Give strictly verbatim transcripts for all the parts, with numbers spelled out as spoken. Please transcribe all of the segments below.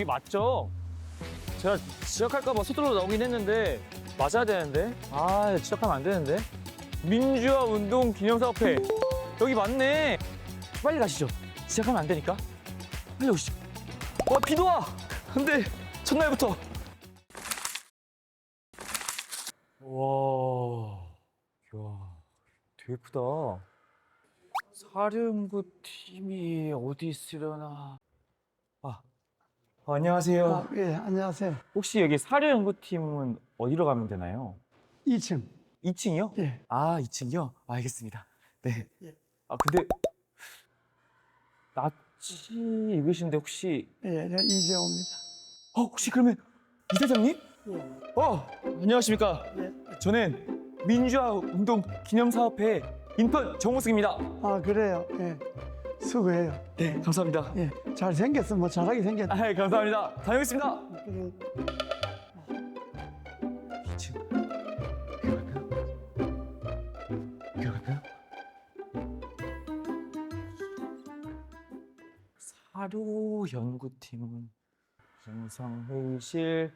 여기 맞죠? 제가 지적할까봐 서둘러 나오긴 했는데 맞아야 되는데 아 지적하면 안 되는데 민주화 운동 기념사업회 여기 맞네. 빨리 가시죠. 지적하면 안 되니까 빨리 오시죠. 와 비도 와. 근데 첫날부터 와, 이야, 되게 예쁘다. 사령부 팀이 어디 있으려나? 아, 어, 안녕하세요. 아, 예, 안녕하세요. 혹시 여기 사료연구팀은 어디로 가면 되나요? 이 층. 이 층이요? 예. 아, 이 층이요? 알겠습니다. 네. 예. 아, 근데 낯이 익으신데 혹시 예, 저 이재호입니다. 어, 혹시 그러면 이사장님? 예. 어, 안녕하십니까? 예. 저는 민주화 운동 기념사업회 인턴 정우승입니다. 아, 그래요. 예. 수고해요. 네, 감사합니다. 예. 잘생겼어. 뭐 잘하게 생겼다. 아, 감사합니다. 다녀오겠습니다. 그래. 이 층. 여기 갈까요? 사료 연구팀은 영상회의실,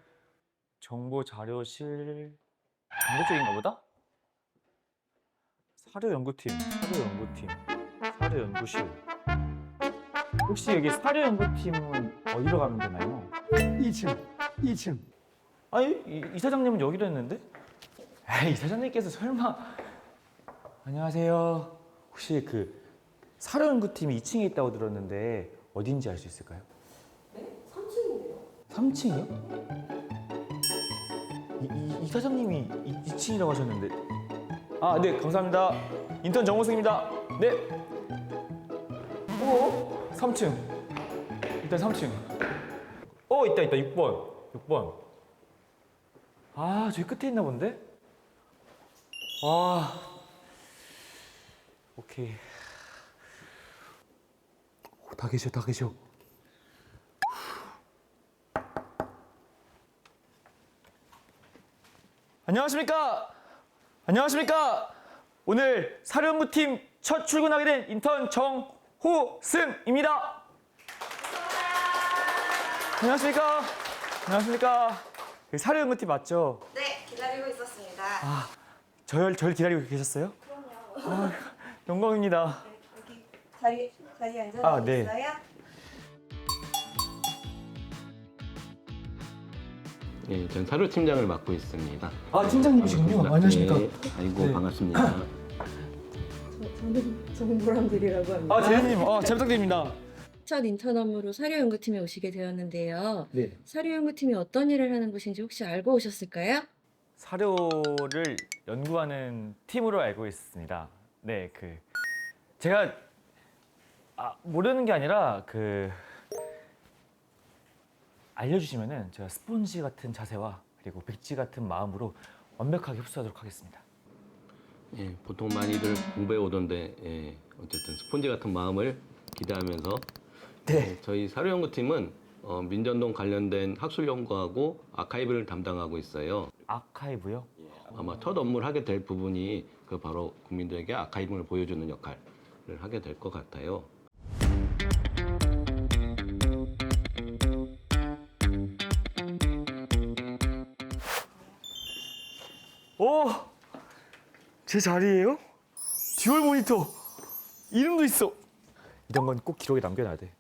정보자료실 반대쪽인가 보다? 사료 연구팀, 사료 연구팀, 사료 연구실. 혹시 여기 사료 연구팀은 어디로 가면 되나요? 이 층. 이 층. 아니 이, 이 사장님은 여기로 했는데? 에이, 이 사장님께서 설마. 안녕하세요. 혹시 그 사료 연구팀이 이 층에 있다고 들었는데 어딘지 알 수 있을까요? 네? 삼 층인데요. 삼 층이요? 이, 이, 이 사장님이 이, 이 층이라고 하셨는데. 아, 네, 감사합니다. 인턴 정호승입니다. 네. 어? 삼 층. 일단 삼 층. 어, 있다, 있다. 육 번. 육 번. 아, 저기 끝에 있나 본데? 아. 오케이. 오, 다 계셔, 다 계셔. 안녕하십니까? 안녕하십니까? 오늘 사령부팀 첫 출근하게 된 인턴 정호승입니다. 안녕하십니까? 안녕하십니까? 사령부팀 맞죠? 네, 기다리고 있었습니다. 아, 저를, 저를 기다리고 계셨어요? 그럼요. 아, 영광입니다. 네, 여기 자리 자리에 앉아 아, 네. 있어요. 예, 전 사료 팀장을 맡고 있습니다. 아, 팀장님이시군요. 안녕하십니까? 예, 아이고 네. 반갑습니다. 저, 저는 정보람들이라고 합니다. 아, 대리님, 아, 잘 부탁드립니다. 첫 인턴 업무로 사료연구팀에 오시게 되었는데요. 네. 사료연구팀이 어떤 일을 하는 곳인지 혹시 알고 오셨을까요? 사료를 연구하는 팀으로 알고 있습니다. 네, 그 제가 아, 모르는 게 아니라 그 알려주시면은 제가 스폰지 같은 자세와 그리고 백지 같은 마음으로 완벽하게 흡수하도록 하겠습니다. 예, 보통 많이들 공부해 오던데 예, 어쨌든 스폰지 같은 마음을 기대하면서 네. 예, 저희 사료연구팀은 어, 민전동 관련된 학술 연구하고 아카이브를 담당하고 있어요. 아카이브요? 아마 첫 업무를 하게 될 부분이 그 바로 국민들에게 아카이브를 보여주는 역할을 하게 될 것 같아요. 오! 제 자리예요? 듀얼 모니터! 이름도 있어! 이런 건 꼭 기록에 남겨놔야 돼.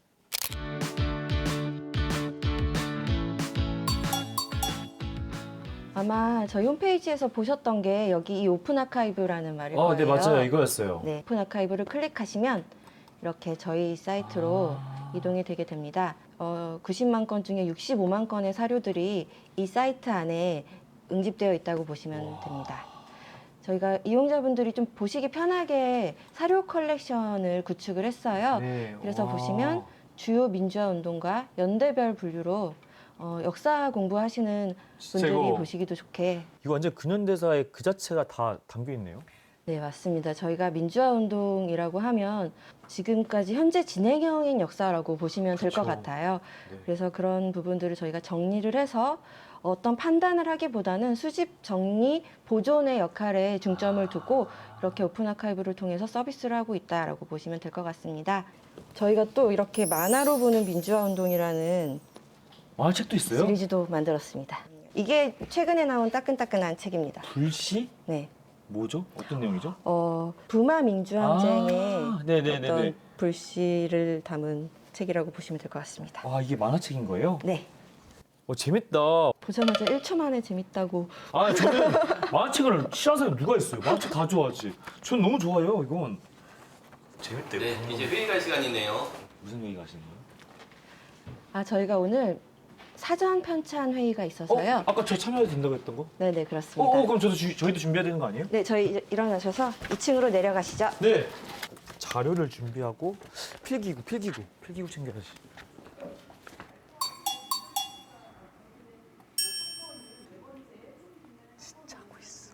아마 저희 홈페이지에서 보셨던 게 여기 이 오픈 아카이브라는 말일 거예요. 아, 네, 맞아요. 이거였어요. 네, 오픈 아카이브를 클릭하시면 이렇게 저희 사이트로 아. 이동이 되게 됩니다. 어, 구십만 건 중에 육십오만 건의 사료들이 이 사이트 안에 응집되어 있다고 보시면 와. 됩니다. 저희가 이용자분들이 좀 보시기 편하게 사료 컬렉션을 구축을 했어요. 네. 그래서 와. 보시면 주요 민주화 운동과 연대별 분류로 어, 역사 공부하시는 진짜 분들이 이거- 보시기도 좋게. 이거 완전 근현대사의 그 자체가 다 담겨 있네요. 네, 맞습니다. 저희가 민주화 운동이라고 하면 지금까지 현재 진행형인 역사라고 보시면 될 것 그쵸. 같아요. 네. 그래서 그런 부분들을 저희가 정리를 해서 어떤 판단을 하기보다는 수집, 정리, 보존의 역할에 중점을 두고 이렇게 오픈 아카이브를 통해서 서비스를 하고 있다라고 보시면 될 것 같습니다. 저희가 또 이렇게 만화로 보는 민주화 운동이라는 아, 책도 있어요? 시리즈도 만들었습니다. 이게 최근에 나온 따끈따끈한 책입니다. 불시? 네. 뭐죠? 어떤 내용이죠? 어, 부마 민주항쟁의 아, 네네네네. 어떤 불씨를 담은 책이라고 보시면 될 것 같습니다. 아, 이게 만화책인 거예요? 네. 어, 재밌다. 보자마자 일 초 만에 재밌다고. 아, 저는 만화책을 싫어하는 사람이 누가 있어요? 만화책 다 좋아하지. 전 너무 좋아요, 이건. 재밌대. 네, 이제 회의 갈 시간이네요. 무슨 얘기 하시는 거예요? 아, 저희가 오늘 사전 편찬 회의가 있어서요. 어? 아까 저 참여해도 된다고 했던 거? 네네, 어, 그렇습니다. 어 그럼 저도 주, 저희도 준비해야 되는 거 아니에요? 네, 저희 이제 일어나셔서 이 층으로 내려가시죠. 네. 자료를 준비하고 필기구, 필기구, 필기구 챙겨야지. 진짜 하고 있어.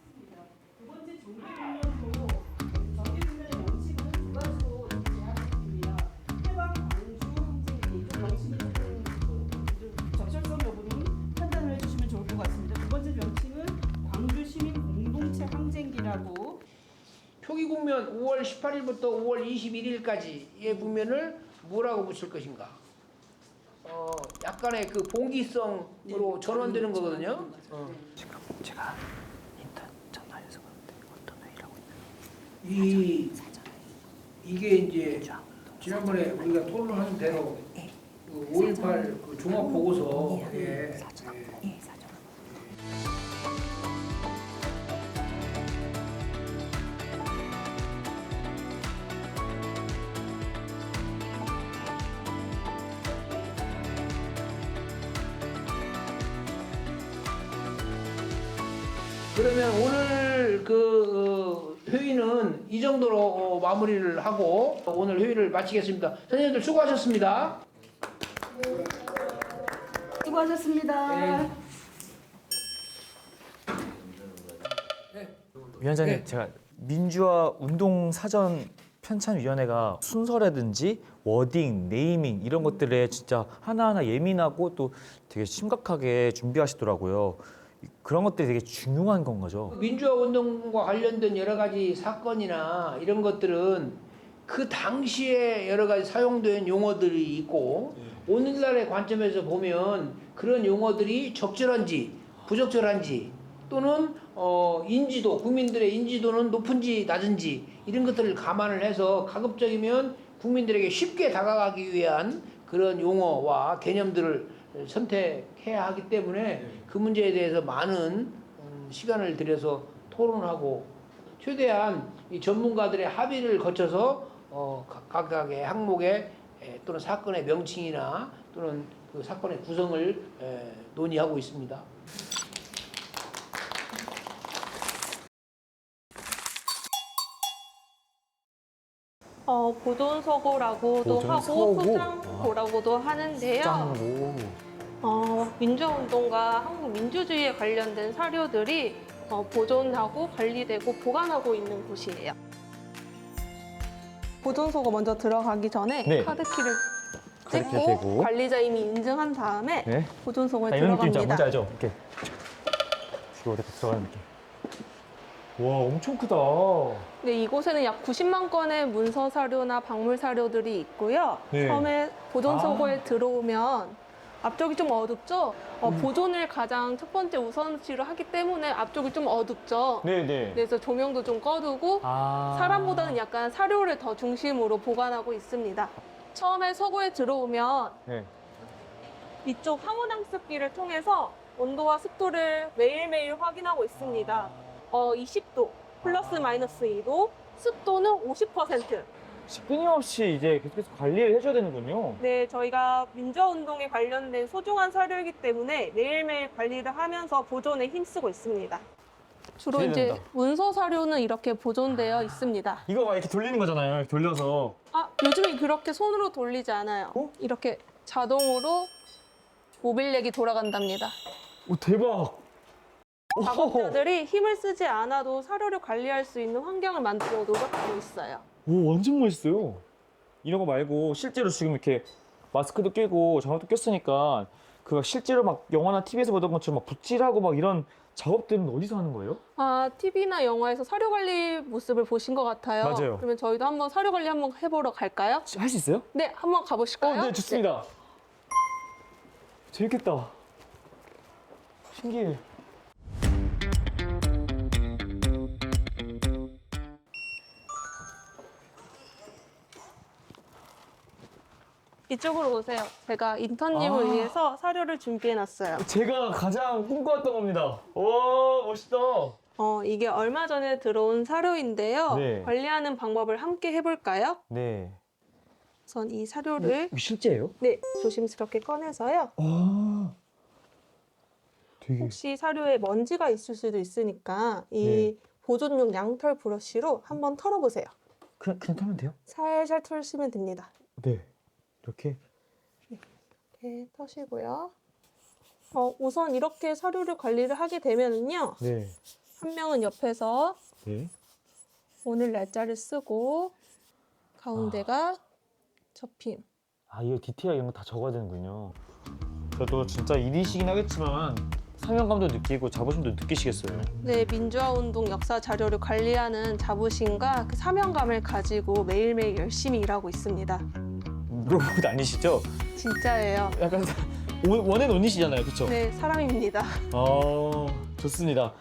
적절성 여부는 판단을 해주시면 좋을 것 같습니다. 두 번째 명칭은 광주 시민 공동체 항쟁기라고. 표기 국면 오월 십팔일부터 오월 이십일일까지의 국면을 뭐라고 붙일 것인가? 어, 약간의 그 봉기성으로 전환되는 거거든요. 어. 제가 인턴 전화해서 그런데 어떤 회의를 하고 이 이게 이제 지난번에 우리가 토론하는 대로 그 오일팔 그 종합 보고서에 예. 그러면 오늘 그 어, 회의는 이 정도로 어, 마무리를 하고 오늘 회의를 마치겠습니다. 선생님들 수고하셨습니다. 수고하셨습니다. 위원장님, 네. 제가 민주화 운동 사전 편찬위원회가 순서라든지 워딩, 네이밍 이런 것들에 진짜 하나하나 예민하고 또 되게 심각하게 준비하시더라고요. 그런 것들이 되게 중요한 건 거죠. 민주화 운동과 관련된 여러 가지 사건이나 이런 것들은 그 당시에 여러 가지 사용된 용어들이 있고 오늘날의 관점에서 보면 그런 용어들이 적절한지 부적절한지 또는 어, 인지도, 국민들의 인지도는 높은지 낮은지 이런 것들을 감안을 해서 가급적이면 국민들에게 쉽게 다가가기 위한 그런 용어와 개념들을 선택해야 하기 때문에 그 문제에 대해서 많은 시간을 들여서 토론하고 최대한 이 전문가들의 합의를 거쳐서 어, 각각의 항목의 또는 사건의 명칭이나 또는 그 사건의 구성을 에, 논의하고 있습니다. 어, 보존서고라고도 하고 보존서고? 수장고라고도 하는데요. 짱고. 어, 민주화운동과 한국 민주주의에 관련된 사료들이 어, 보존하고 관리되고 보관하고 있는 곳이에요. 보존서고 먼저 들어가기 전에 네. 카드키를 카드키 찍고 대고. 관리자 이미 인증한 다음에 네. 보존서고에 아, 이런 느낌 있잖아. 들어갑니다. 뭔지 알죠? 이렇게 이거 이렇게 들어가는 느낌. 와, 엄청 크다. 네, 이곳에는 약 구십만 건의 문서 사료나 박물 사료들이 있고요. 네. 처음에 보존서고에 아. 들어오면 앞쪽이 좀 어둡죠? 어, 음. 보존을 가장 첫 번째 우선시로 하기 때문에 앞쪽이 좀 어둡죠? 네네. 그래서 조명도 좀 꺼두고 아. 사람보다는 약간 사료를 더 중심으로 보관하고 있습니다. 처음에 서고에 들어오면 네. 이쪽 황혼항습기를 통해서 온도와 습도를 매일매일 확인하고 있습니다. 어, 이십 도, 플러스 마이너스 이 도, 습도는 오십 퍼센트. 끊임없이 이제 계속해서 관리를 해줘야 되는군요. 네, 저희가 민주화운동에 관련된 소중한 사료이기 때문에 매일매일 관리를 하면서 보존에 힘쓰고 있습니다. 주로 이제 기대된다. 문서 사료는 이렇게 보존되어 있습니다. 이거 막 이렇게 돌리는 거잖아요. 이렇게 돌려서. 아, 요즘에 그렇게 손으로 돌리지 않아요. 어? 이렇게 자동으로 모빌렉이 돌아간답니다. 오, 대박. 작업자들이 힘을 쓰지 않아도 사료를 관리할 수 있는 환경을 만들어 노력하고 있어요. 오, 완전 멋있어요. 이런 거 말고 실제로 지금 이렇게 마스크도 끼고 장갑도 꼈으니까 그 실제로 막 영화나 티비에서 보던 것처럼 막 붓질하고 막 이런 작업들은 어디서 하는 거예요? 아, 티비나 영화에서 사료 관리 모습을 보신 것 같아요. 맞아요. 그러면 저희도 한번 사료 관리 한번 해보러 갈까요? 할 수 있어요? 네, 한번 가보실까요? 어, 네, 좋습니다. 재밌겠다. 신기해. 이쪽으로 오세요. 제가 인턴님을 아. 위해서 사료를 준비해놨어요. 제가 가장 꿈꿔왔던 겁니다. 오, 멋있다. 어, 이게 얼마 전에 들어온 사료인데요. 네. 관리하는 방법을 함께 해볼까요? 네. 우선 이 사료를 이거 실제예요? 네, 조심스럽게 꺼내서요. 아, 되게. 혹시 사료에 먼지가 있을 수도 있으니까 이 네. 보존용 양털 브러쉬로 한번 털어보세요. 그냥, 그냥 타면 돼요? 살살 털시면 됩니다. 네. 이렇게. 이렇게 터시고요. 어, 우선 이렇게 사료를 관리를 하게 되면은요. 네. 한 명은 옆에서 네. 오늘 날짜를 쓰고 가운데가 접힘. 아, 이거 디테일 이런 거 다 적어야 되는군요. 저도 진짜 일이시긴 하겠지만 사명감도 느끼고 자부심도 느끼시겠어요. 네, 민주화 운동 역사 자료를 관리하는 자부심과 그 사명감을 가지고 매일매일 열심히 일하고 있습니다. 로봇 아니시죠? 진짜예요. 약간 원- 원앤 온이시잖아요, 그렇죠? 네, 사람입니다. 어, 좋습니다.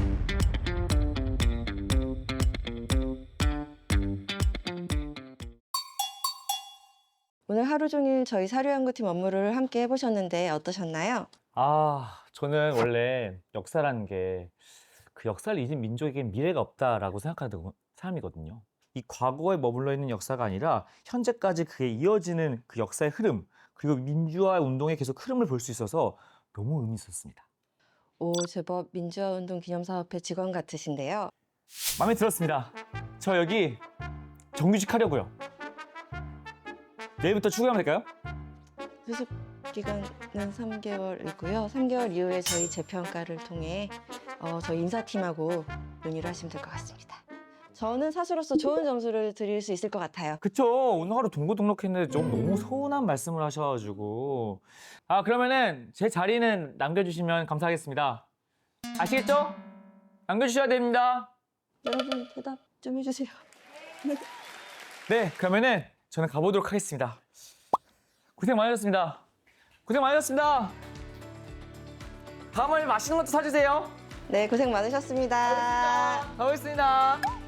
오늘 하루 종일 저희 사료연구팀 업무를 함께 해보셨는데 어떠셨나요? 아, 저는 원래 역사라는 게 그 역사를 잊은 민족에겐 미래가 없다라고 생각하는 사람이거든요. 이 과거에 머물러 있는 역사가 아니라 현재까지 그에 이어지는 그 역사의 흐름, 그리고 민주화 운동의 계속 흐름을 볼 수 있어서 너무 의미 있었습니다. 오, 제법 민주화운동 기념사업회 직원 같으신데요. 마음에 들었습니다. 저 여기 정규직 하려고요. 내일부터 출근하면 될까요? 수습 기간은 삼 개월이고요. 삼 개월 이후에 저희 재평가를 통해 어, 저희 인사팀하고 논의를 하시면 될 것 같습니다. 저는 사수로서 좋은 점수를 드릴 수 있을 것 같아요. 그쵸. 오늘 하루 동고 등록했는데 좀 너무 서운한 말씀을 하셔가지고. 아, 그러면은 제 자리는 남겨주시면 감사하겠습니다. 아시겠죠? 남겨주셔야 됩니다. 여러분 대답 좀 해주세요. 네, 그러면은 저는 가보도록 하겠습니다. 고생 많으셨습니다. 고생 많으셨습니다. 다음에 맛있는 것도 사주세요. 네, 고생 많으셨습니다. 가보겠습니다.